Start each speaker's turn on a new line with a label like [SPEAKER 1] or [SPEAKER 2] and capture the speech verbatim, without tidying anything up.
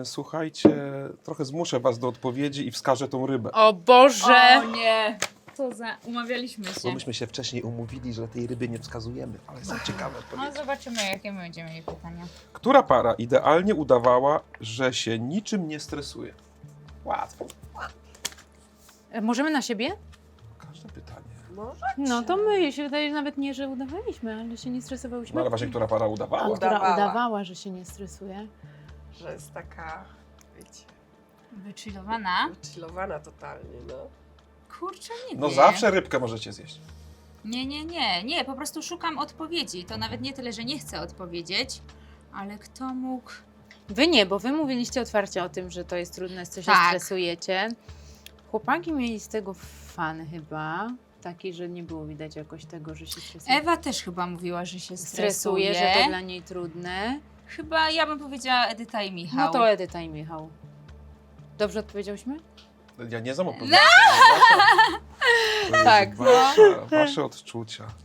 [SPEAKER 1] słuchajcie, trochę zmuszę was do odpowiedzi i wskażę tą rybę.
[SPEAKER 2] O Boże!
[SPEAKER 3] O nie! Co za... Umawialiśmy
[SPEAKER 1] Bo
[SPEAKER 3] się.
[SPEAKER 1] myśmy się wcześniej umówili, że tej ryby nie wskazujemy, ale są ciekawe
[SPEAKER 3] No
[SPEAKER 1] odpowiedzi.
[SPEAKER 3] zobaczymy, jakie my będziemy mieli pytania.
[SPEAKER 1] Która para idealnie udawała, że się niczym nie stresuje? Łatwo.
[SPEAKER 2] E, Możemy na siebie?
[SPEAKER 1] Każde pytanie.
[SPEAKER 4] Może?
[SPEAKER 2] No to my się wydaje, że nawet nie, że udawaliśmy, ale się nie stresowałyśmy.
[SPEAKER 1] No ale właśnie, która para udawała?
[SPEAKER 2] A, która
[SPEAKER 4] Udawała.
[SPEAKER 2] udawała, że się nie stresuje.
[SPEAKER 4] Że jest taka, wiecie,
[SPEAKER 3] Wychillowana?
[SPEAKER 4] chillowana totalnie, no.
[SPEAKER 3] Kurczę, nie
[SPEAKER 1] No
[SPEAKER 3] wiem.
[SPEAKER 1] zawsze rybkę możecie zjeść.
[SPEAKER 3] Nie, nie, nie, nie, po prostu szukam odpowiedzi. To nawet nie tyle, że nie chcę odpowiedzieć, ale kto mógł...
[SPEAKER 2] Wy nie, bo wy mówiliście otwarcie o tym, że to jest trudne, co się
[SPEAKER 3] Tak.
[SPEAKER 2] stresujecie. Chłopaki mieli z tego fan chyba, taki, że nie było widać jakoś tego, że się stresuje.
[SPEAKER 3] Ewa też chyba mówiła, że się stresuje.
[SPEAKER 2] Stresuje, że to dla niej trudne.
[SPEAKER 3] Chyba ja bym powiedziała Edyta i Michał.
[SPEAKER 2] No to Edyta i Michał. Dobrze odpowiedziałyśmy?
[SPEAKER 1] Ja nie znam odpowiedzi. To jest
[SPEAKER 2] Tak,
[SPEAKER 1] wasze, wasze odczucia.